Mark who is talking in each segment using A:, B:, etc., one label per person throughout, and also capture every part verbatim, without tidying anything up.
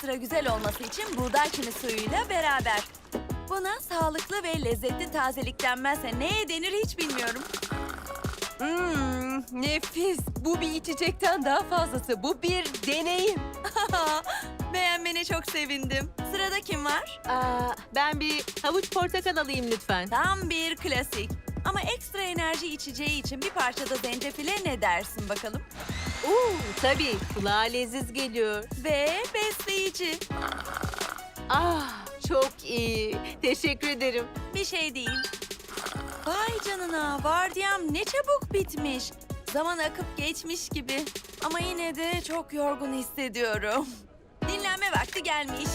A: sıra güzel olması için buğday çini suyuyla beraber. Buna sağlıklı ve lezzetli tazelik denmezse neye denir hiç bilmiyorum.
B: Hmm, nefis. Bu bir içecekten daha fazlası. Bu bir deneyim.
A: Beğenmene çok sevindim. Sırada kim var?
B: Aa, ben bir havuç portakal alayım lütfen.
A: Tam bir klasik. Ama ekstra enerji içeceği için bir parça da zencefile ne dersin bakalım?
B: Oo, tabii. Kulağa leziz geliyor.
A: Ve besleyici.
B: Ah, çok iyi. Teşekkür ederim.
A: Bir şey değil. Vay canına, vardiyam ne çabuk bitmiş. Zaman akıp geçmiş gibi. Ama yine de çok yorgun hissediyorum. Dinlenme vakti gelmiş.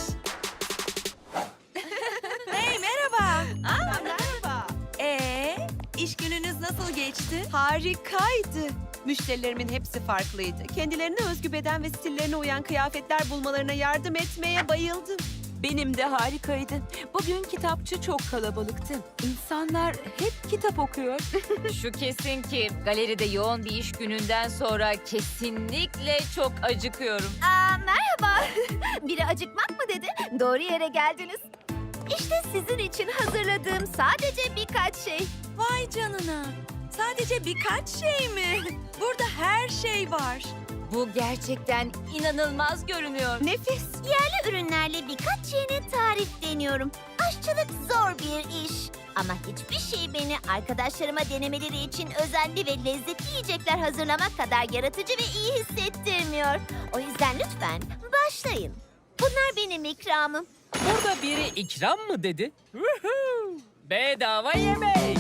A: Hey, merhaba.
B: Aa, merhaba.
A: Ee, iş gününüz nasıl geçti?
B: Harikaydı. Müşterilerimin hepsi farklıydı. Kendilerine özgü beden ve stillerine uyan kıyafetler bulmalarına yardım etmeye bayıldım. Benim de harikaydı. Bugün kitapçı çok kalabalıktı. İnsanlar hep kitap okuyor.
C: Şu kesin ki galeride yoğun bir iş gününden sonra kesinlikle çok acıkıyorum.
D: Aa, merhaba. Biri acıkmak mı dedi? Doğru yere geldiniz. İşte sizin için hazırladığım sadece birkaç şey.
A: Vay canına. Sadece birkaç şey mi? Burada her şey var.
C: Bu gerçekten inanılmaz görünüyor.
B: Nefis.
D: Yerli ürünlerle birkaç yeni tarif deniyorum. Aşçılık zor bir iş. Ama hiçbir şey beni arkadaşlarıma denemeleri için özenli ve lezzetli yiyecekler hazırlamak kadar yaratıcı ve iyi hissettirmiyor. O yüzden lütfen başlayın. Bunlar benim ikramım.
E: Burada biri ikram mı dedi? Woohoo! Bedava yemek.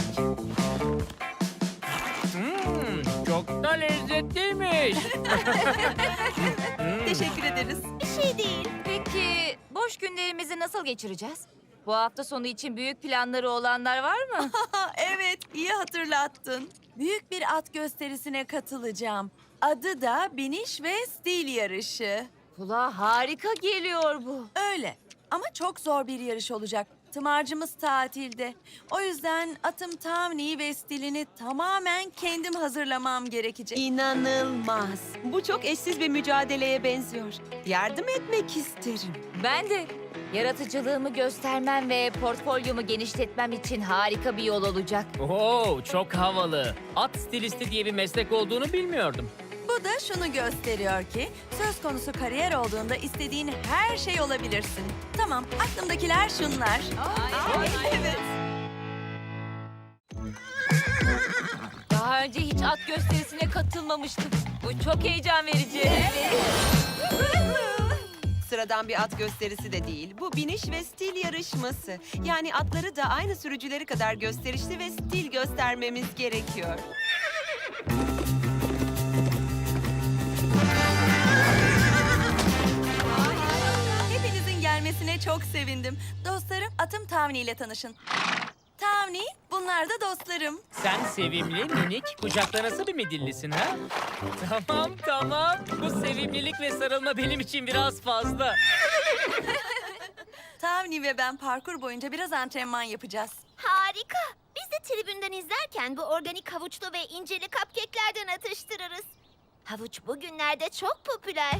E: Hmm, çok da lezzetliymiş.
A: Teşekkür ederiz.
D: Bir şey değil.
C: Peki boş günlerimizi nasıl geçireceğiz? Bu hafta sonu için büyük planları olanlar var mı?
A: Ha, evet, iyi hatırlattın. Büyük bir at gösterisine katılacağım. Adı da biniş ve stil yarışı.
C: Kulağa harika geliyor bu.
A: Öyle ama çok zor bir yarış olacak. Tımarcımız tatilde. O yüzden atım Tavni ve stilini tamamen kendim hazırlamam gerekecek.
B: İnanılmaz. Bu çok eşsiz bir mücadeleye benziyor. Yardım etmek isterim.
C: Ben de yaratıcılığımı göstermem ve portfolyomu genişletmem için harika bir yol olacak.
E: Oo, çok havalı. At stilisti diye bir meslek olduğunu bilmiyordum.
A: Bu da şunu gösteriyor ki söz konusu kariyer olduğunda istediğin her şey olabilirsin. Tamam, aklımdakiler şunlar. Evet.
C: Daha önce hiç at gösterisine katılmamıştım. Bu çok heyecan verici.
B: Sıradan bir at gösterisi de değil. Bu biniş ve stil yarışması. Yani atları da aynı sürücüleri kadar gösterişli ve stil göstermemiz gerekiyor.
A: Hepinizin gelmesine çok sevindim. Dostlarım, atım Tavni ile tanışın. Tavni, bunlar da dostlarım.
E: Sen sevimli, minik, kucaklanası bir midillisin ha? Tamam, tamam. Bu sevimlilik ve sarılma benim için biraz fazla.
A: Tavni ve ben parkur boyunca biraz antrenman yapacağız.
D: Harika. Biz de tribünden izlerken bu organik havuçlu ve inceli cupcake'lerden atıştırırız. Havuç bugünlerde çok popüler.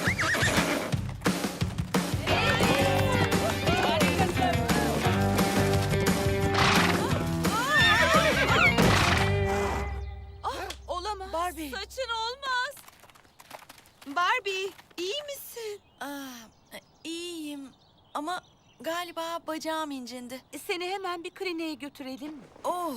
A: Olamaz. Barbie.
C: Saçın olmaz.
B: Barbie, iyi misin?
A: Ah, iyiyim ama galiba bacağım incindi.
B: Seni hemen bir kliniğe götürelim.
A: Oh,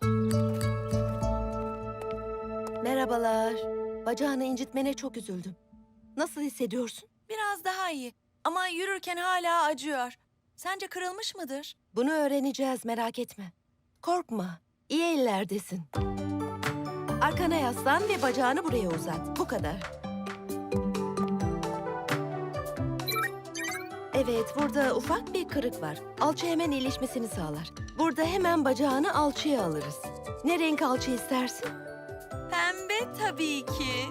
F: Merhabalar. Bacağını incitmene çok üzüldüm. Nasıl hissediyorsun?
A: biraz daha iyi ama yürürken hala acıyor. Sence kırılmış mıdır?
F: Bunu öğreneceğiz, merak etme. Korkma, iyi ellerdesin. Arkana yaslan ve bacağını buraya uzat. Bu kadar. Evet, burada ufak bir kırık var. Alçı hemen iyileşmesini sağlar. Burada hemen bacağını alçıya alırız. Ne renk alçı istersin?
A: Pembe tabii ki.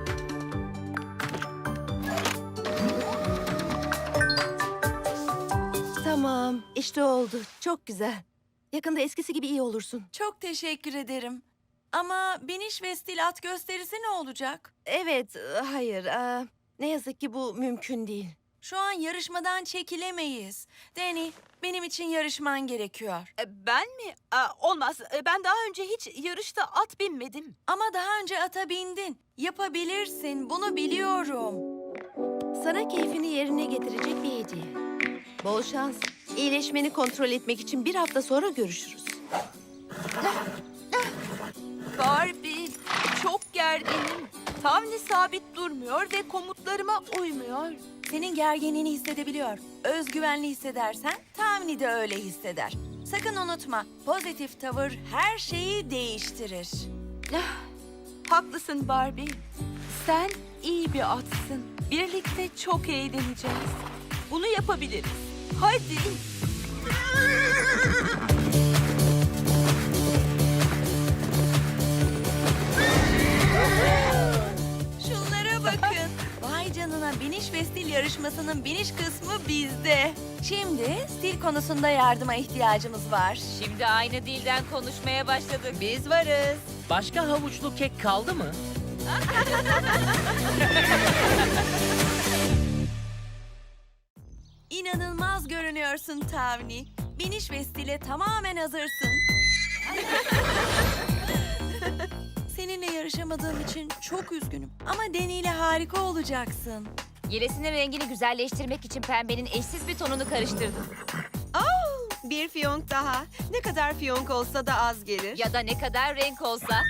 F: Tamam, işte oldu. Çok güzel. Yakında eskisi gibi iyi olursun.
A: Çok teşekkür ederim. Ama biniş ve stil at gösterisi ne olacak?
F: Evet, e, hayır. e, ne yazık ki bu mümkün değil.
A: Şu an yarışmadan çekilemeyiz. Danny, benim için yarışman gerekiyor.
B: E, Ben mi? Aa, olmaz. E, Ben daha önce hiç yarışta at binmedim.
A: Ama daha önce ata bindin. Yapabilirsin, bunu biliyorum.
F: Sana keyfini yerine getirecek bir hediye. Bol şans. İyileşmeni kontrol etmek için bir hafta sonra görüşürüz.
B: Barbie, çok gerginim. Tavni sabit durmuyor ve komutlarıma uymuyor.
A: Senin gerginliğini hissedebiliyor. Özgüvenli hissedersen tahmini de öyle hisseder. Sakın unutma, pozitif tavır her şeyi değiştirir.
B: Haklısın Barbie. Sen iyi bir atsın. Birlikte çok eğleneceğiz. Bunu yapabiliriz. Hadi.
A: Şunlara bakın. Vay canına, biniş ve stil yarışmasının biniş kısmı bizde. Şimdi stil konusunda yardıma ihtiyacımız var.
C: Şimdi aynı dilden konuşmaya başladık.
B: Biz varız.
E: Başka havuçlu kek kaldı mı?
A: İnanılmaz görünüyorsun Tavni. Biniş ve stile tamamen hazırsın. Seninle yarışamadığım için çok üzgünüm. Ama Danny ile harika olacaksın.
C: Yelesinin rengini güzelleştirmek için pembenin eşsiz bir tonunu karıştırdım.
B: Bir fiyonk daha. Ne kadar fiyonk olsa da az gelir.
C: Ya da ne kadar renk olsa.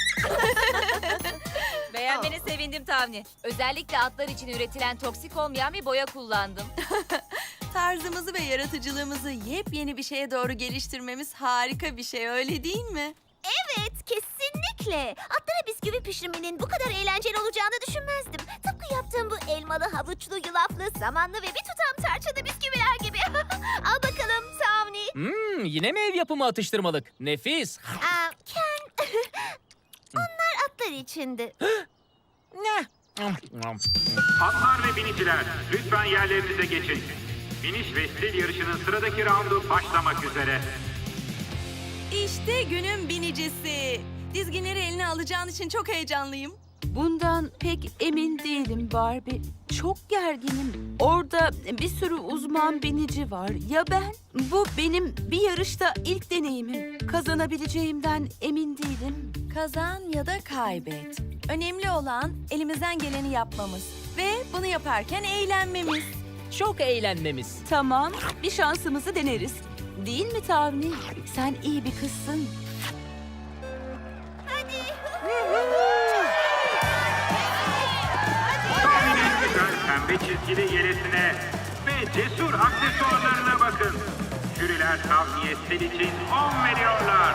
C: Beğenmene sevindim Tavni. Özellikle atlar için üretilen toksik olmayan bir boya kullandım.
A: Tarzımızı ve yaratıcılığımızı yepyeni bir şeye doğru geliştirmemiz harika bir şey, öyle değil mi?
D: Evet, kesinlikle. Atlara bisküvi pişirmenin bu kadar eğlenceli olacağını düşünmezdim. Tıpkı yaptığım bu elmalı, havuçlu, yulaflı, samanlı ve bir tutam tarçınlı bisküviler gibi. Al bakalım Tavni.
E: Hmm, yine mi ev yapımı atıştırmalık? Nefis.
D: Aa, Ken, onlar atlar içindi.
E: Ne?
G: Atlar ve biniciler, lütfen yerlerinize geçin. Biniş ve stil yarışının sıradaki raundu başlamak üzere.
A: İşte günün binicisi. Dizginleri eline alacağın için çok heyecanlıyım.
B: Bundan pek emin değilim Barbie. Çok gerginim. Orada bir sürü uzman binici var. Ya ben? Bu benim bir yarışta ilk deneyimim. Kazanabileceğimden emin değilim.
A: Kazan ya da kaybet. Önemli olan elimizden geleni yapmamız ve bunu yaparken eğlenmemiz.
E: Çok eğlenmemiz.
B: Tamam, bir şansımızı deneriz. Değil mi Tavni? Sen iyi bir kızsın.
G: Tavni'nin güzel pembe çizgili yelesine ve cesur aksesuarlarına bakın. Jüriler Tavni'ye stil için on veriyorlar.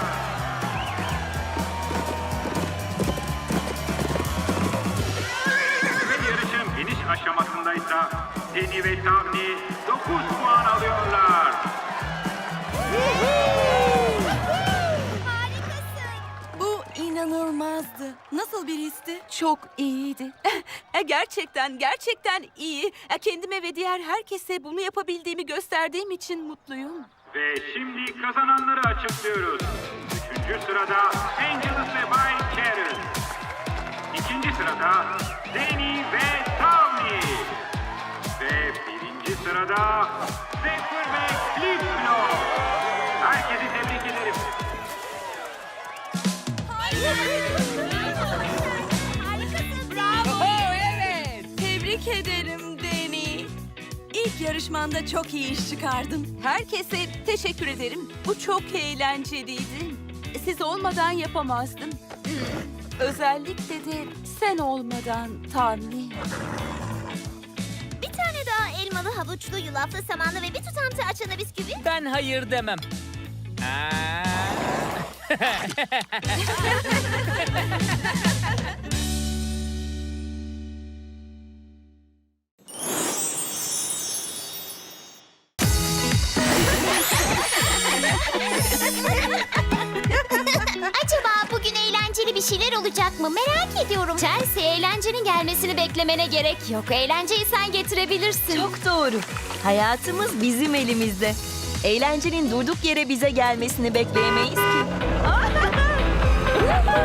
G: Ve yarışın biniş aşamasındaysa Danny ve Tavni dokuz puan alıyorlar.
A: Bu inanılmazdı. Nasıl bir histi?
B: Çok iyiydi. E, gerçekten, gerçekten iyi. E, Kendime ve diğer herkese bunu yapabildiğimi gösterdiğim için mutluyum.
G: Ve şimdi kazananları açıklıyoruz. Üçüncü sırada Angelus ve Bay Karen. İkinci sırada Danny ve Tavni. Ve birinci sırada Zephyr ve Flipflop. Herkesi tebrik ederim.
A: Tebrik ederim Danny. İlk yarışmanda çok iyi iş çıkardın.
B: Herkese teşekkür ederim. Bu çok eğlenceliydi. Siz olmadan yapamazdım. Özellikle de sen olmadan Tavni.
D: Bir tane daha elmalı, havuçlu, yulaflı, samanlı ve bir tutam tarçınlı bisküvi.
E: Ben hayır demem. Aa.
D: Acaba bugün eğlenceli bir şeyler olacak mı? Merak ediyorum. Chelsea, eğlencenin gelmesini beklemene gerek yok. Eğlenceyi sen getirebilirsin.
H: Çok doğru. Hayatımız bizim elimizde. Eğlencenin durduk yere bize gelmesini bekleyemeyiz ki.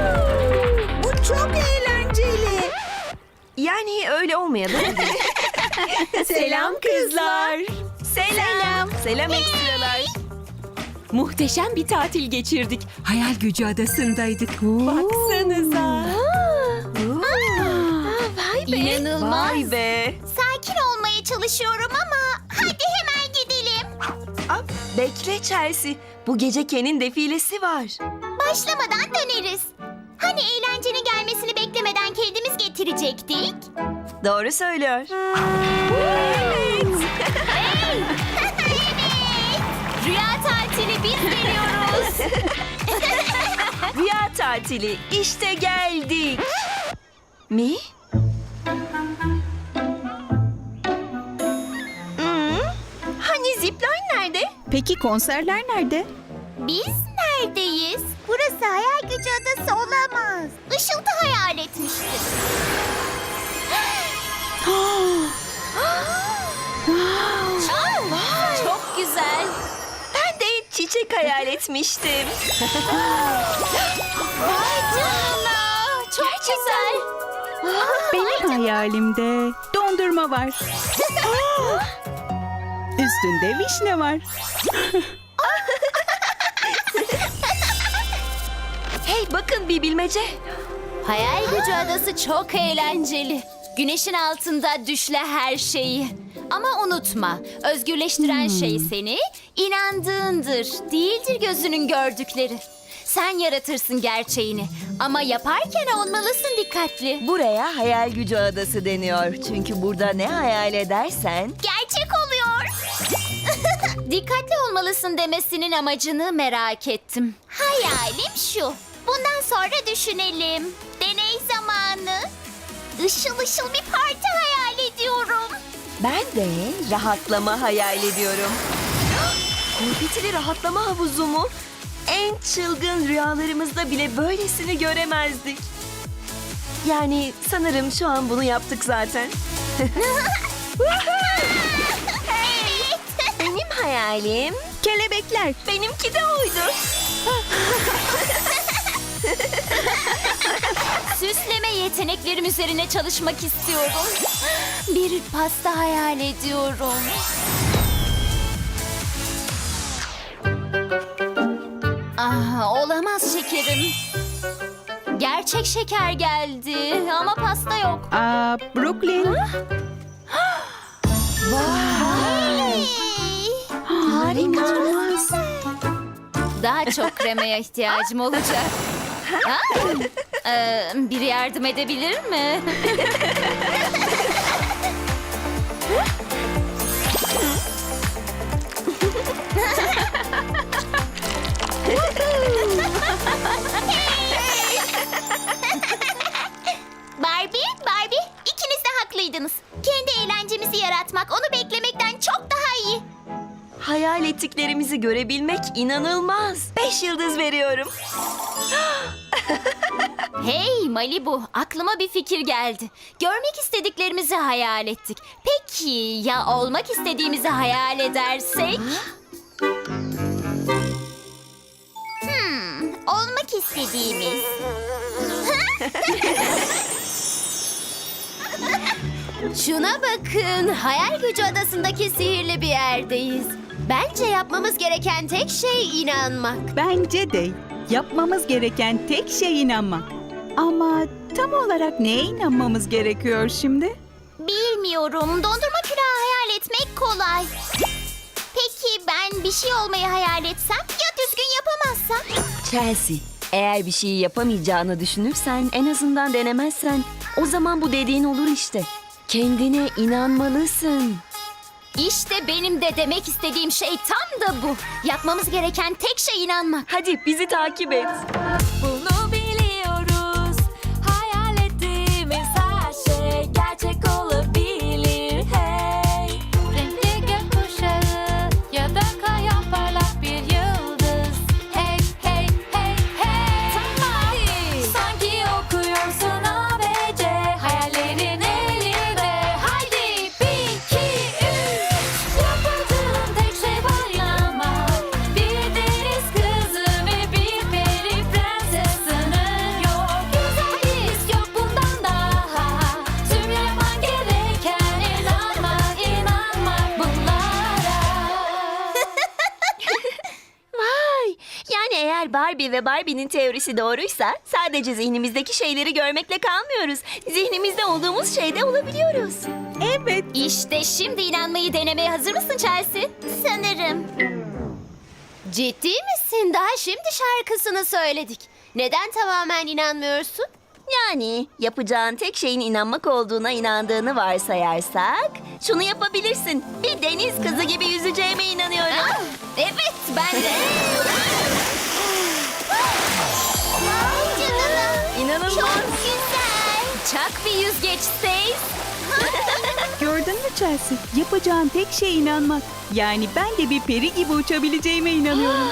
F: Bu çok eğlenceli. Yani öyle olmayabilir.
H: Selam kızlar. Selam. Selam ekstralar. Muhteşem bir tatil geçirdik. Hayal Gücü Adası'ndaydık. Baksanıza.
D: İnanılmaz.
H: Vay be.
D: Sakin olmaya çalışıyorum ama hadi hemen gidelim.
H: Aa, bekle Chelsea. Bu gece Ken'in defilesi var.
D: Başlamadan döneriz. Hani eğlencenin gelmesini beklemeden kendimiz getirecektik?
H: Doğru söylüyor.
D: Rüya tatili biz veriyoruz.
H: Rüya tatili. İşte geldik. Mi? Hmm, hani zipline nerede?
I: Peki konserler nerede?
D: Biz neredeyiz? Burası hayal gücü adası olamaz. Işıltı hayal etmiştir. Çok, çok güzel.
H: Ben de çiçek hayal etmiştim.
D: Vay canına. Çok güzel.
I: Benim hayalimde dondurma var. Üstünde vişne var.
H: Hey bakın bir bilmece.
D: Hayal gücü adası çok eğlenceli. Güneşin altında düşle her şeyi. Ama unutma, özgürleştiren şey seni inandığındır, değildir gözünün gördükleri. Sen yaratırsın gerçeğini ama yaparken olmalısın dikkatli.
H: Buraya hayal gücü adası deniyor. Çünkü burada ne hayal edersen...
D: Gerçek oluyor. Dikkatli olmalısın demesinin amacını merak ettim. Hayalim şu. Bundan sonra düşünelim. Deney zamanı. Işıl ışıl bir parti hayal ediyorum.
H: Ben de rahatlama hayal ediyorum. Konfetili rahatlama havuzu mu? En çılgın rüyalarımızda bile böylesini göremezdik. Yani sanırım şu an bunu yaptık zaten. Benim hayalim,
I: Kelebekler.
H: benimki de oydu.
D: Süsleme yeteneklerim üzerine çalışmak istiyorum. Bir pasta hayal ediyorum. Ah, olamaz şekerim. Gerçek şeker geldi ama pasta yok.
I: Aa, Brooklyn.
D: Hey!
H: Harika.
D: Daha çok kremaya ihtiyacım olacak. Ha? Ee, biri yardım edebilir mi? Barbie, Barbie, ikiniz de haklıydınız. Kendi eğlencemizi yaratmak, onu beklemekten çok daha iyi.
H: Hayal ettiklerimizi görebilmek inanılmaz. Beş yıldız veriyorum.
D: Hey Malibu, aklıma bir fikir geldi. Görmek istediklerimizi hayal ettik. Peki ya olmak istediğimizi hayal edersek? Hmm, olmak istediğimiz. Şuna bakın, hayal gücü adasındaki sihirli bir yerdeyiz. Bence yapmamız gereken tek şey inanmak.
I: Bence de yapmamız gereken tek şey inanmak. Ama tam olarak neye inanmamız gerekiyor şimdi?
D: Bilmiyorum. Dondurma külahı hayal etmek kolay. Peki ben bir şey olmayı hayal etsem ya düzgün yapamazsam?
H: Chelsea, eğer bir şeyi yapamayacağını düşünürsen, en azından denemezsen, o zaman bu dediğin olur işte. Kendine inanmalısın.
D: İşte benim de demek istediğim şey tam da bu. Yapmamız gereken tek şey inanmak.
H: Hadi bizi takip et.
A: Bunu biliyoruz. Hayal ettiğimiz her şey gerçek olabilir. Hey, renkli gökkuşağı ya da kayan parlak bir yıldız. Hey, hey, hey, hey. Tamam. Sanki okuyorsun A B C. Hayallerin elinde. Haydi bir, iki, üç. Yapamadığın tek şey var inanmak. Bir deniz kızı ve bir peri prenses sınır
H: Barbie ve Barbie'nin teorisi doğruysa sadece zihnimizdeki şeyleri görmekle kalmıyoruz. Zihnimizde olduğumuz şeyde olabiliyoruz.
I: Evet.
D: İşte şimdi inanmayı denemeye hazır mısın Chelsea? Sanırım. Ciddi misin? Daha şimdi şarkısını söyledik. Neden tamamen inanmıyorsun?
H: Yani yapacağın tek şeyin inanmak olduğuna inandığını varsayarsak şunu yapabilirsin. Bir deniz kızı gibi yüzeceğime inanıyorum.
D: Ah, evet, ben de. Vay canına.
H: İnanılmaz.
D: Çok güzel. Çak bir yüzgeç Stace.
I: Gördün mü Chelsea? Yapacağın tek şey inanmak. Yani ben de bir peri gibi uçabileceğime inanıyorum.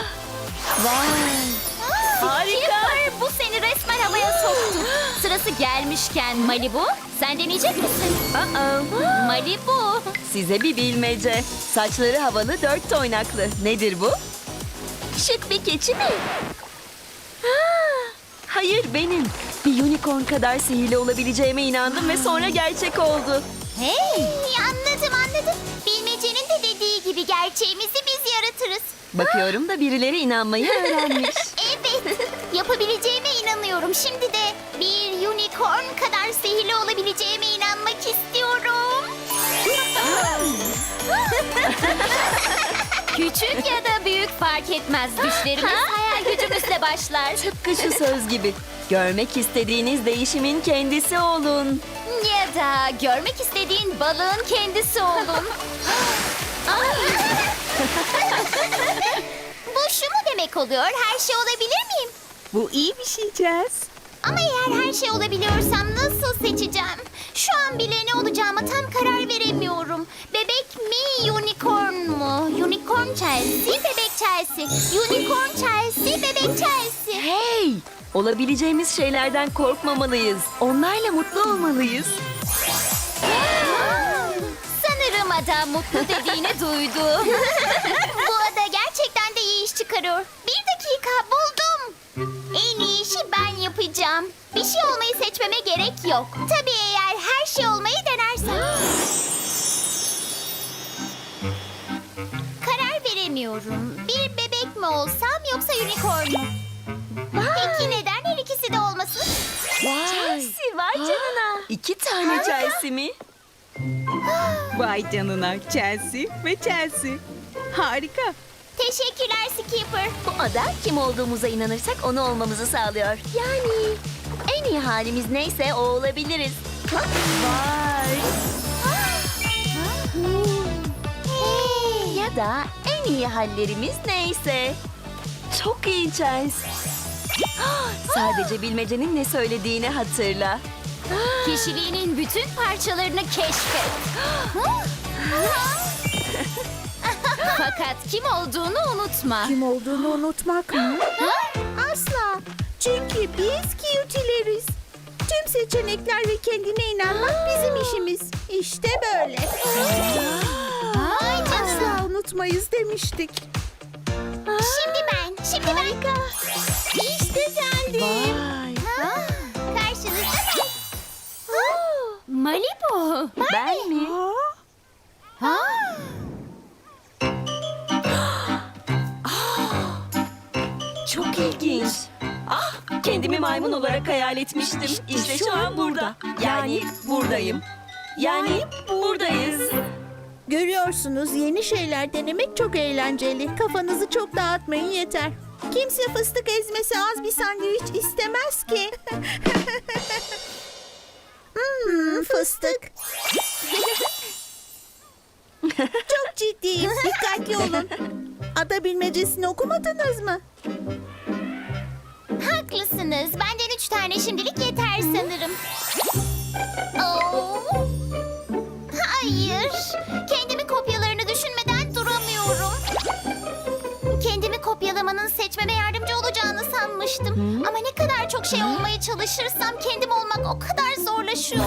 H: Harika.
D: Kipper, bu seni resmen havaya soktu. Sırası gelmişken Malibu, sen deneyecek misin?
H: Aa,
D: Malibu.
H: size bir bilmece. Saçları havalı, dört toynaklı. Nedir bu? Şık bir keçi mi? Ah, hayır benim. Bir unicorn kadar sihirli olabileceğime inandım ve sonra gerçek oldu.
D: Hey, anladım anladım. Bilmecenin de dediği gibi gerçeğimizi biz yaratırız.
H: Bakıyorum da birileri inanmayı öğrenmiş.
D: Evet, yapabileceğime inanıyorum. Şimdi de bir unicorn kadar sihirli olabileceğime inanmak istiyorum. Küçük ya da büyük fark etmez. Düşlerimiz hayal gücümüzle başlar.
H: Tıpkı şu söz gibi. Görmek istediğiniz değişimin kendisi olun.
D: Ya da görmek istediğin balığın kendisi olun. Bu şu mu demek oluyor? Her şey olabilir miyim?
I: Bu iyi bir şey Chelsea.
D: Ama eğer her şey olabiliyorsam nasıl seçeceğim? Şu an bile ne olacağıma tam karar veremiyorum. Bebek mi, unicorn mu? Unicorn Chelsea, bebek Chelsea. Unicorn Chelsea, bebek Chelsea.
H: Hey! Olabileceğimiz şeylerden korkmamalıyız. Onlarla mutlu olmalıyız.
D: Sanırım ada mutlu dediğini duydu. Bu ada gerçekten de iyi iş çıkarıyor. Bir dakika, buldum. En iyi işi ben yapacağım. Bir şey olmayı seçmeme gerek yok. Tabii eğer her şey olmayı denersem. Karar veremiyorum. Bir bebek mi olsam yoksa unicorn mu? Peki neden her ikisi de olmasın?
H: Chelsea vay canına. İki tane Chelsea mi?
I: Vay canına Chelsea ve Chelsea. Harika.
D: Teşekkürler Skipper.
H: Bu ada kim olduğumuza inanırsak onu olmamızı sağlıyor. Yani en iyi halimiz neyse o olabiliriz. Ha? Vay.
D: Hey.
H: Ya da en iyi hallerimiz neyse. Çok iyi Chelsea. Sadece bilmecenin ne söylediğini hatırla.
D: Kişiliğinin bütün parçalarını keşfet. Fakat kim olduğunu unutma.
J: Kim olduğunu unutmak mı? Asla. Çünkü biz cutileriz. Tüm seçenekler ve kendine inanmak bizim işimiz. İşte böyle.
D: Vay canına.
J: Asla unutmayız demiştik.
D: Şimdi ben, şimdi ben. İşte geldim.
H: Vay.
D: Ha, karşınızda ben. Malibu.
H: Ben mi?
D: Ha?
H: Çok ilginç. Ah, kendimi maymun olarak hayal etmiştim. İşte şu an burada. Yani buradayım. Yani buradayız.
J: Görüyorsunuz, yeni şeyler denemek çok eğlenceli. Kafanızı çok dağıtmayın yeter. Kimse fıstık ezmesi az bir sandviç istemez ki. hmm, fıstık. Çok ciddiyim. Dikkatli olun. Ada bilmecesini okumadınız mı?
D: Haklısınız. Benden üç tane şimdilik yeter sanırım. Oo. Hayır. Kendimi kopyalarını düşünmeden duramıyorum. Kendimi kopyalamanın seçmeme yardımcı olacağını sanmıştım. Ama ne kadar çok şey olmaya çalışırsam kendim olmak o kadar zorlaşıyor.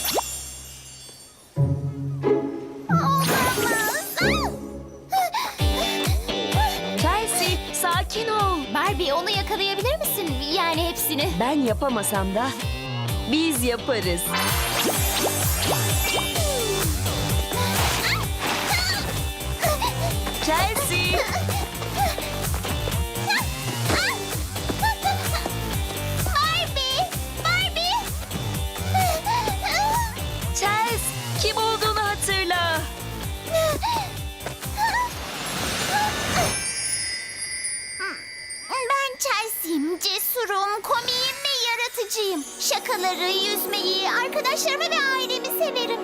D: Olamaz.
H: Chelsea, sakin ol.
D: Barbie, onu yakalayabilir misin? Yani hepsini.
H: Ben yapamasam da biz yaparız. Chelsea,
D: meraklıcıyım. Şakaları, yüzmeyi, arkadaşlarımı ve ailemi severim.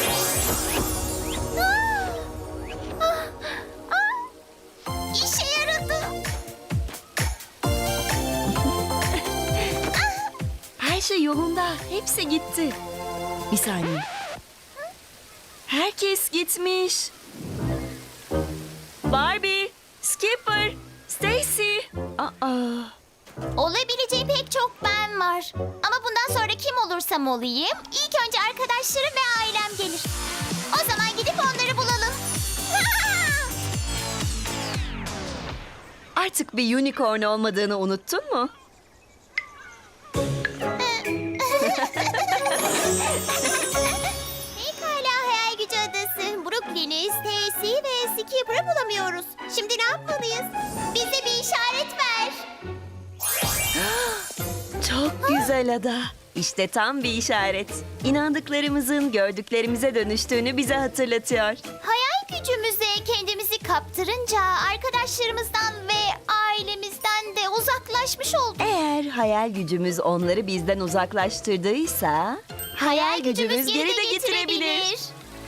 D: Ah! Ah! Ah! İşe yaradı.
H: Her şey yolunda. Hepsi gitti. Bir saniye. Herkes gitmiş. Barbie, Skipper, Stacy. Aa.
D: Olabileceği pek çok ben var. Ama bundan sonra kim olursam olayım, ilk önce arkadaşlarım ve ailem gelir. O zaman gidip onları bulalım.
H: Artık bir unicorn olmadığını unuttun mu?
D: Pekala hayal gücü adası. Brooklyn'i, Stacy ve Skipper'ı bulamıyoruz. Şimdi ne yapmalıyız? Bize bir işaret ver.
H: Çok güzel ada. İşte tam bir işaret. İnandıklarımızın gördüklerimize dönüştüğünü bize hatırlatıyor.
D: Hayal gücümüze kendimizi kaptırınca arkadaşlarımızdan ve ailemizden de uzaklaşmış olduk.
H: Eğer hayal gücümüz onları bizden uzaklaştırdıysa... Hayal gücümüz geri de getirebilir.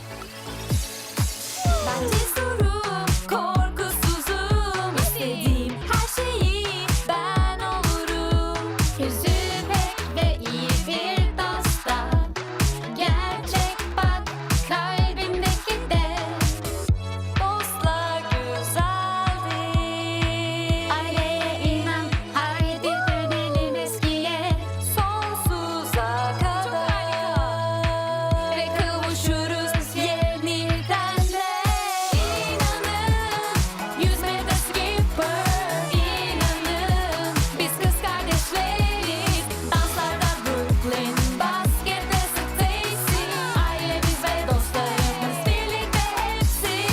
A: Ben cesurum, korkusuzum. İstediğim her şeyi ben olurum. Yüzü pek ve iyi bir dosta. Gerçek bak kalbimdeki de. Dostlar güzeldir. Aileye inan, haydi dönelim eskiye. Sonsuza kadar. Ve kavuşuruz yeniden de. İnanın, yüzmede Skipper. İnanın, biz kız kardeşleriz. Danslarda Brooklyn, baskette Stacy. Ailemiz ve dostlarımız birlikte hepsi.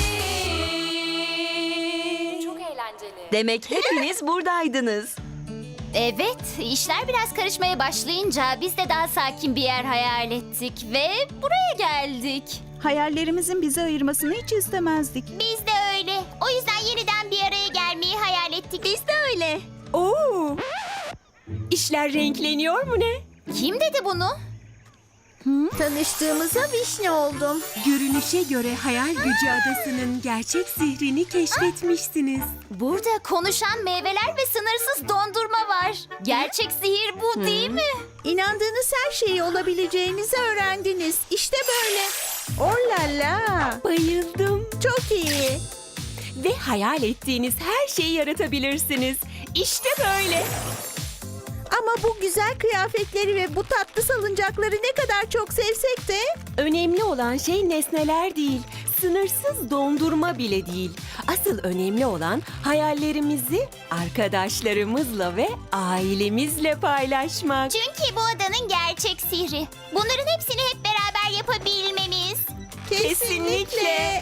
A: Çok eğlenceli.
H: Demek hepiniz buradaydınız.
D: Evet, işler biraz karışmaya başlayınca biz de daha sakin bir yer hayal ettik ve buraya geldik.
I: Hayallerimizin bizi ayırmasını hiç istemezdik.
D: Biz de öyle. O yüzden yeniden bir araya gelmeyi hayal ettik. Biz de öyle.
B: Oo. İşler renkleniyor mu ne?
D: Kim dedi bunu?
J: Tanıştığımıza vişne oldum.
B: Görünüşe göre hayal gücü adasının gerçek sihrini keşfetmişsiniz.
D: Burada konuşan meyveler ve sınırsız dondurma var. Gerçek sihir bu değil mi?
J: İnandığınız her şeyi olabileceğinizi öğrendiniz. İşte böyle. Oh la la.
B: Bayıldım.
J: Çok iyi.
B: Ve hayal ettiğiniz her şeyi yaratabilirsiniz. İşte böyle.
J: Ama bu güzel kıyafetleri ve bu tatlı salıncakları ne kadar çok sevsek de
B: Önemli olan şey nesneler değil, sınırsız dondurma bile değil. Asıl önemli olan hayallerimizi arkadaşlarımızla ve ailemizle paylaşmak.
D: Çünkü bu adanın gerçek sihri. Bunların hepsini hep beraber yapabilmemiz.
B: Kesinlikle.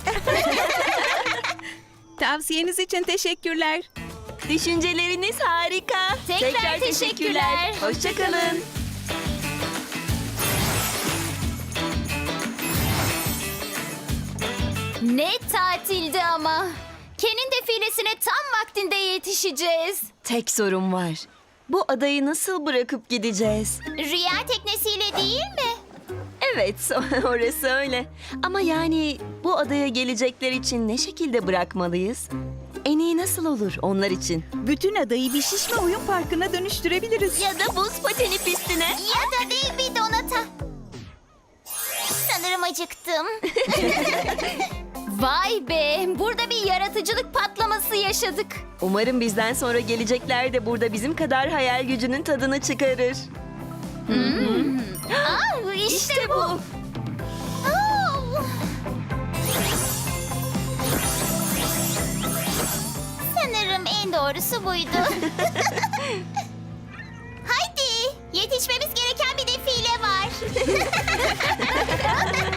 I: Tavsiyeniz için teşekkürler.
H: Düşünceleriniz harika.
D: Tekrar teşekkürler.
H: Hoşçakalın.
D: Ne tatildi ama. Ken'in defilesine tam vaktinde yetişeceğiz.
H: Tek sorun var. Bu adayı nasıl bırakıp gideceğiz?
D: Rüya teknesiyle değil mi?
H: Evet, orası öyle. Ama yani bu adaya gelecekler için ne şekilde bırakmalıyız? En iyi nasıl olur onlar için?
I: Bütün adayı bir şişme oyun parkına dönüştürebiliriz.
H: Ya da buz pateni pistine.
D: Ya da dev bir donata. Sanırım acıktım. Vay be, burada bir yaratıcılık patlaması yaşadık.
H: Umarım bizden sonra gelecekler de burada bizim kadar hayal gücünün tadını çıkarır.
D: Aa, işte,
H: İşte
D: bu.
H: bu.
D: Aa! Sanırım en doğrusu buydu. Haydi, yetişmemiz gereken bir defile var.